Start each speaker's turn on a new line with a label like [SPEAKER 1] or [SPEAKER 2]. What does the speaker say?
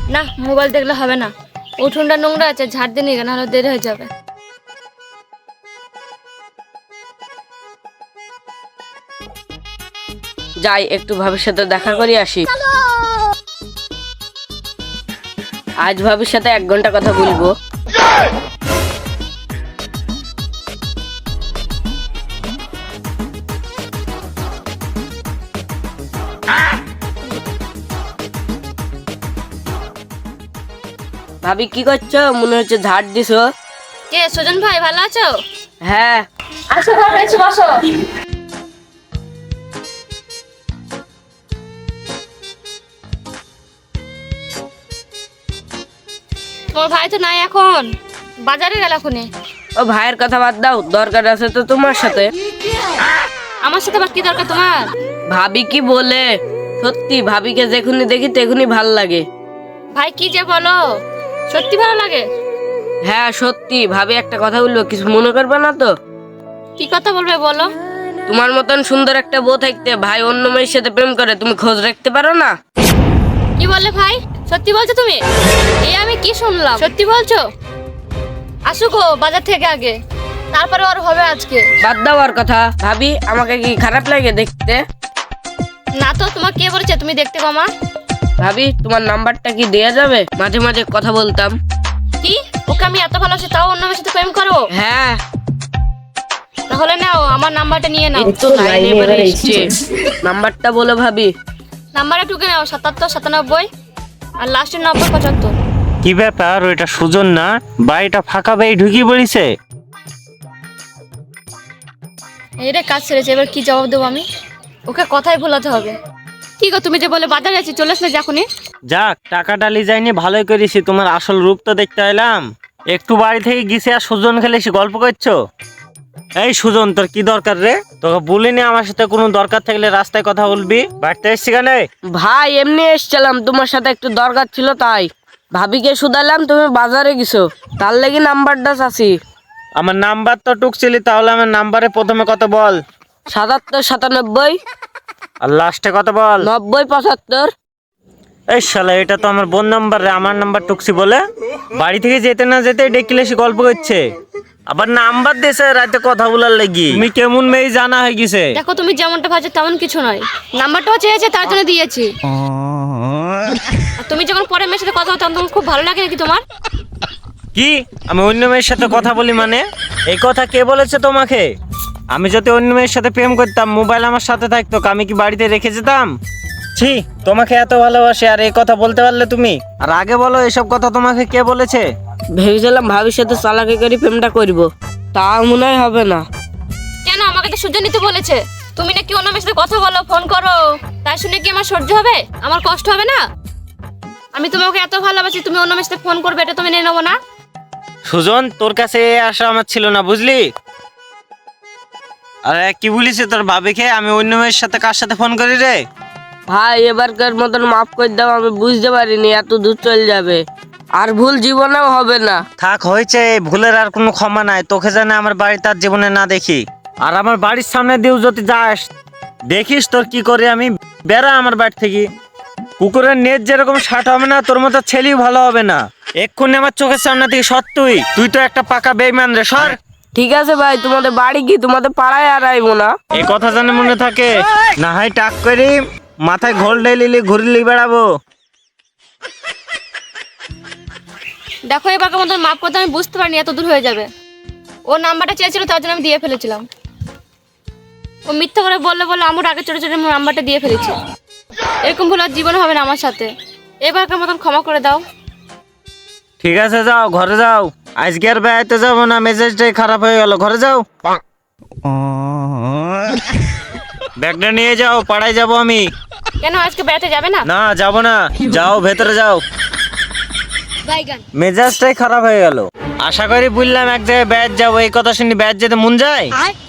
[SPEAKER 1] না, মোবাইল দেখলে হবে না। উঠোনটা নোংরা আছে, ঝাড় দিয়ে নিয়ে নাহলে দেরি হয়ে যাবে।
[SPEAKER 2] যাই একটু ভাবির সাথে দেখা করি আসি। আজ ভাবির সাথে 1 ঘন্টা কথা বলবো। ভাবি কি করছো? মনে হচ্ছে ঝাড় দিছো।
[SPEAKER 1] কে সুজন ভাই, ভালো আছো?
[SPEAKER 2] হ্যাঁ।
[SPEAKER 1] আসো ঘরে এসে বসো। তোমার ভাই তো নাই এখন, বাজারে গেল এখনই।
[SPEAKER 2] ও ভাইয়ের কথা বাদ দাও, দরকার আছে তো তোমার সাথে।
[SPEAKER 1] আমার সাথে আবার কি দরকার তোমার?
[SPEAKER 2] ভাবি কি বলে, সত্যি ভাবিকে যেখুনি দেখি তেখুনি ভাল লাগে।
[SPEAKER 1] ভাই কি যে বলো, সত্যি ভালো লাগে?
[SPEAKER 2] হ্যাঁ সত্যি। ভাবি একটা কথা বলবো, কিছু মনে করবে না তো?
[SPEAKER 1] কি কথা বলবে বলো।
[SPEAKER 2] তোমার মতন সুন্দর একটা বউ থাকতে ভাই অন্য মেয়ের সাথে প্রেম করে, তুমি খোঁজ রাখতে পারো না?
[SPEAKER 1] কি বললে ভাই? সত্যি বলছো তুমি? এই আমি কি শুনলাম, সত্যি বলছো? আসুক ও বাজার থেকে আগে, তারপরে আর হবে আজকে।
[SPEAKER 2] বাদ দাও আর কথা। ভাবি আমাকে কি খারাপ লাগে দেখতে?
[SPEAKER 1] না তো, তোমার কে বলেছে তুমি দেখতে কমা?
[SPEAKER 2] ভাবি তোমার নাম্বারটা কি দেয়া যাবে? মাঝে মাঝে কথা বলতাম।
[SPEAKER 1] কি, ওকে আমি এত ভালোবাসি তাও অন্য মেয়ের সাথে প্রেম করো?
[SPEAKER 2] হ্যাঁ।
[SPEAKER 1] তাহলে নাও আমার নাম্বারটা নিয়ে নাও।
[SPEAKER 2] তো লাইনে এবারে এসছে। নাম্বারটা বলো ভাবি।
[SPEAKER 1] নাম্বারটা টুকে নাও, 77 97 আর লাস্টের 90 75।
[SPEAKER 3] কি ব্যাপার, ওইটা সুজন না? বাড়িটা ফাঁকা বাড়ি ঢুকিয়ে পড়েছে।
[SPEAKER 1] এই রে, কাজ ছেড়েছে, এবার কি জবাব দেবো আমি? ওকে কথাই ভুলাতে হবে। কি গো, তুমি যে বলে বাজারে আছি, চলে আসলে যখনই।
[SPEAKER 3] যাক, টাকা ডালি যায়নি, ভালোই করেছি। তোমার আসল রূপ তো দেখতে এলাম। একটু বাড়ি থেকে গেছে আর সুজন খেলে এসে গল্প করছো। এই সুজন, তোর কি দরকার রে? তোকে বলিনি আমার সাথে কোনো দরকার থাকলে রাস্তায় কথা বলবি? বাড়িতে এসছি কেন?
[SPEAKER 2] ভাই এমনি এসছিলাম, তোমার সাথে একটু দরকার ছিল তাই। ভাবিকে শুধালাম তুমি বাজারে গেছো, তার লাগি নাম্বারটা চাচ্ছি।
[SPEAKER 3] আমার নাম্বার তো টুকছিলি, তাহলে আমার নাম্বারে প্রথমে কত বল।
[SPEAKER 2] 77 97
[SPEAKER 3] আর লাস্টে কত বল।
[SPEAKER 2] 90 75।
[SPEAKER 3] এই শালা, এটা তো আমার বোন নাম্বার রে। আমার নাম্বার টুকছি বলে বাড়ি থেকে যেতে না যেতে ডেকিলে এসে গল্প করছে। আবার নাম্বার দিয়েছে রাতে কথা বলার লাগি। তুমি কেমন মেয়ে জানা হয়ে গেছে।
[SPEAKER 1] দেখো, তুমি যেমনটা ভাবছো তেমন কিছু নয়। নাম্বারটাও চেয়েছে, তার জন্য দিয়েছি। আর তুমি যখন পরে মেয়ের সাথে কথা বলতো তখন খুব ভালো লাগে নাকি তোমার?
[SPEAKER 3] কি, আমি অন্য মেয়ের সাথে কথা বলি মানে? এই কথা কে বলেছে তোমাকে? আমি যদি অন্য মেয়ের সাথে প্রেম করতাম, মোবাইল আমার সাথে থাকতো, আমি কি বাড়িতে রেখে যেতাম? ছি, তোমাকে এত ভালোবাসি আর এই কথা বলতে পারলে তুমি? আর আগে বলো, এসব কথা তোমাকে কে বলেছে?
[SPEAKER 2] ভেবেছিলাম ভাবির সাথে চালাকি করে প্রেমটা করব, তা মনে হয় হবে না।
[SPEAKER 1] কেন, আমাকে তো সহ্য নিতে বলেছে। তুমি নাকি অন্য মেয়ের সাথে কথা বলো, ফোন করো, তাই শুনে কি আমার সহ্য হবে? আমার কষ্ট হবে না? আমি তোমাকে এত ভালোবাসি, তুমি অন্য মেয়ের সাথে ফোন করবে, এটা তুমি নিয়ে নেবো না?
[SPEAKER 3] সুজন, তোর কাছে এই আশা আমার ছিল না, বুঝলি? আরে কি বলিস তোর ভাবিকে? আমি অন্য মেয়ের সাথে কার সাথে ফোন করি রে?
[SPEAKER 2] ভাই এবারকার মতন মাফ করে দাও, আমি বুঝতে পারিনি এত দূর চলে যাবে, আর ভুল জীবনেও হবে না।
[SPEAKER 3] থাক, হয়েছে, এই ভুলের আর কোনো ক্ষমা নাই। তোকে জানে আমার বাড়ি তার জীবনে না দেখি, আর আমার বাড়ির সামনে দিয়েও যদি যাস, দেখিস তোর কি করে আমি। বেড়া আমার বাড়ি থেকে। কুকুরের নেট যেরকম শার্ট হবে না, তোর মতো ছেলেও ভালো হবে না। এক্ষুনি আমার চোখের সামনে থেকে সর। তুই তো একটা পাকা বেইমান রে, সর।
[SPEAKER 2] ঠিক আছে ভাই, তোমাদের বাড়ি কি তোমাদের পাড়ায় আর আইবো না।
[SPEAKER 3] এই কথা জানে মনে থাকে, না হয় টাক করি মাথায় ঘোল ঢেলিলি ঘুরলি বেড়াবো।
[SPEAKER 1] দেখো, এবারকার মতন মাফ করতে আমি বুঝতে পারিনি এত দূর হয়ে যাবে। ও নাম্বারটা চেয়েছিল, তার জন্য আমি দিয়ে ফেলেছিলাম। ও মিথ্যা করে বললে বলে আমার আগে চড়ে চড়ে নাম্বারটা দিয়ে ফেলেছি। এরকম ভুল আর জীবনে হবে না আমার সাথে। এবারকার মতন ক্ষমা করে দাও।
[SPEAKER 3] ঠিক আছে, যাও ঘরে যাও। আজকে আর বেড়াইতে যাবো না, মেজাজটাই খারাপ হয়ে গেল। ঘরে যাও, ব্যাগটা নিয়ে যাও, পাড়ায় যাবো আমি।
[SPEAKER 1] কেন, আজকে বেড়াতে যাবে না?
[SPEAKER 3] না, যাবো না। যাও ভেতরে যাও। মেজাজটাই খারাপ হয়ে গেল। আশা করি বললাম এক জায়গায় বেড়াতে যাবো, এই কথা শুনি বেড়াতে যেতে মন যায়।